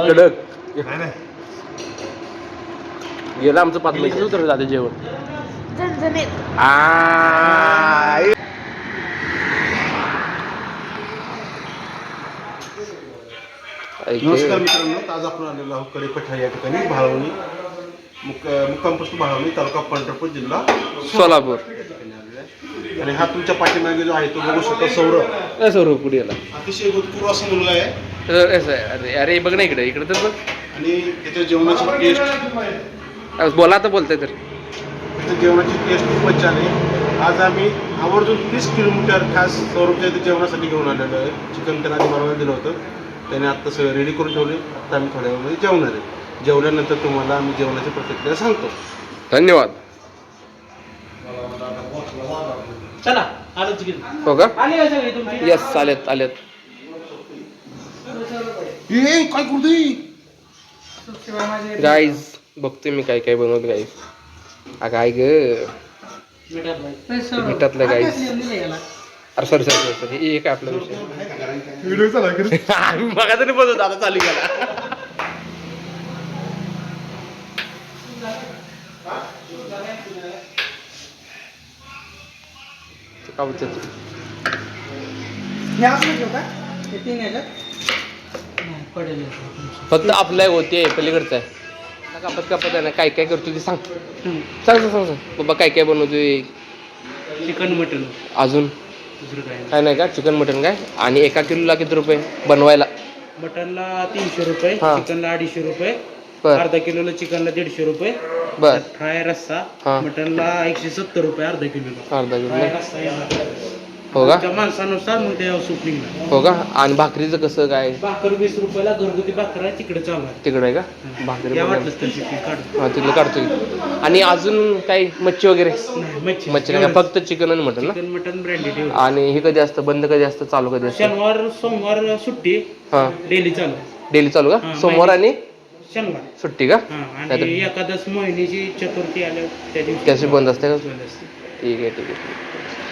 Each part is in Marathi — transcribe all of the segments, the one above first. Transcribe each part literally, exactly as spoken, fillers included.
कडक गेलं आमचं पाच मिनिट उतर जाते जेवण. नमस्कार मित्रांनो, आज आपण आलेलो आहोत कडेपठा या ठिकाणी भाळवणी मुक मुक्काम पोस्ट भाळवणी तालुका पंढरपूर जिल्हा सोलापूर. आणि हा तुमच्या पाठीमागे जो आहे तो बघू शकता सौरभ. सौरभ पुढे याला अतिशय गुणपूर असा मुलगा आहे. अरे अरे बघ ना इकडे इकडे तर बघ. आणि त्याच्या जेवणाची टेस्ट बोला आता बोलतोय तर त्याच्या जेवणाची टेस्ट खूपच छान आहे. आज आम्ही आवर्जून तीस किलोमीटर खास सौरभच्या इथे जेवणासाठी घेऊन आलेलो आहे. चिकन त्यांना आधी बनवायला दिलं होतं, त्याने आत्ता सगळं रेडी करून ठेवले. आत्ता आम्ही थोड्या वेळामध्ये जेवणार आहे. जेवल्यानंतर तुम्हाला आम्ही जेवणाची प्रतिक्रिया सांगतो. धन्यवाद. चला आलो चिकन. हो का? आले का सगळे तुमचे? यस आलेत आलेत. ए काय करतोय गाईज बघतोय मी काय काय बनवत गाईज. काय ग मिठातलं गाईज. अरे सॉरी सॉरी सॉरी सॉरी हे काय आपला विषय व्हिडिओ चालू बघा तरी बघतो आता चालू केला. का बोलतो फक्त आपलं होते पलीकडचं आहे. कापत कापत आहे ना काय काय करतो ते सांग सांग सांग सांग सांग बाबा काय काय बनवतोय. चिकन मटन अजून दुसरं काय काय नाही का? चिकन मटन काय? आणि एका किलोला किती रुपये बनवायला? मटनला तीनशे रुपये, हा. चिकनला अडीचशे रुपये, बर अर्धा किलोला चिकनला दीडशे रुपये, बर फ्राय रस्सा हा. मटनला एकशे सत्तर रुपये अर्धा किलोला. अर्धा किलो फ्राय रस्सा येणार. हो का? त्या माणसानुसार मग त्या सूप निघणार. हो का? आणि भाकरीचं कसं काय? भाकर वीस रुपयाला घरगुती भाकर आहे तिकडे चालू आहे. तिकडे आहे का भाकरी? या बनवायला? वाटलंच तर चिकन काढू. हा तिथलं काढतो की. आणि अजून काही मच्छी वगैरे? नाही, मच्छी मच्छी नाही का? फक्त चिकन आणि मटन ना? Chicken mutton branded. आणि हे कधी असतं बंद, कधी असतं चालू, कधी असतं? शनिवार सोमवार सुट्टी, हा डेली चालू. डेली चालू का? हा, सोमवार आणि शनिवार सुट्टी का? हा. नाहीतर- आणि एकादश मोहिनीची चतुर्थी आल्या त्या दिवशी त्याची बंद असते का? बंद असते. ठीक आहे ठीक आहे.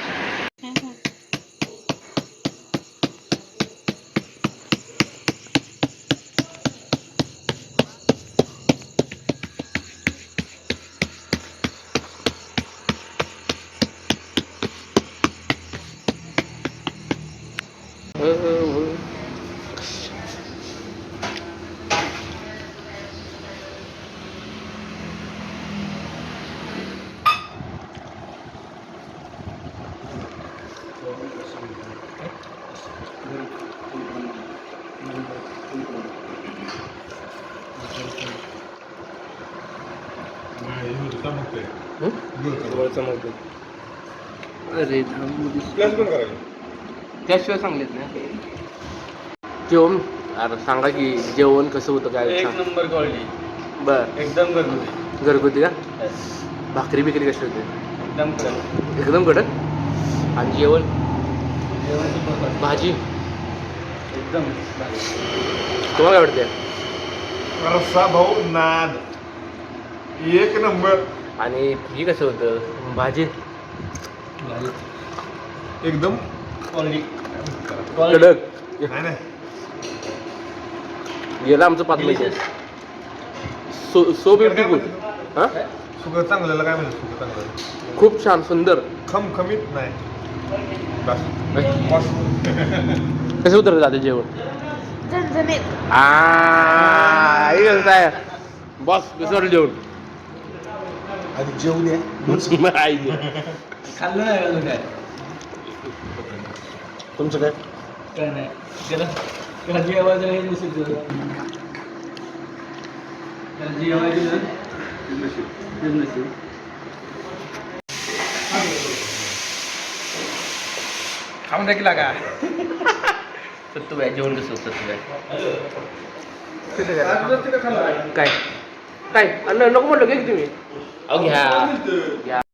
अरे त्याशिवाय सांगलेत ना जेवण. अरे सांगा की जेवण कसं होतं काय? एक सांग. नंबर क्वालिटी, बर एकदम घरगुती. घरगुती का? भाकरी बिकरी कशी होते? एकदम कडक. एकदम कडक. आणि जेवण जेवण super. भाजी एकदम तुम्हाला काय वाटते? रस्सा भाऊ नाद एक नंबर. आणि ही कसं होतं भाजी? एकदम क्वालिटी कडक नाही नाही गेलं आमचं पाच मिनिट. So so beautiful. हां सुगं चांगल्याला काय म्हणतात? सुगं चांगलं खूप छान सुंदर. खमखमीत नाही. बस. कसं उतरलं जाते जेवण? बॉस कसं जेवण? आधी जेवून ये. खाल्लं नाही अजून काय? तुमचं काय? काय नाही त्याला त्याला जेवायचं हे नसेल तुझं. त्याला जेवायचं ना नसेल. खाऊन टाकला का? सत्तू आहे जेवण कसं सत्तू आहे? काय काय अन्न नको म्हटलं की तुम्ही? अहो घ्या घ्या.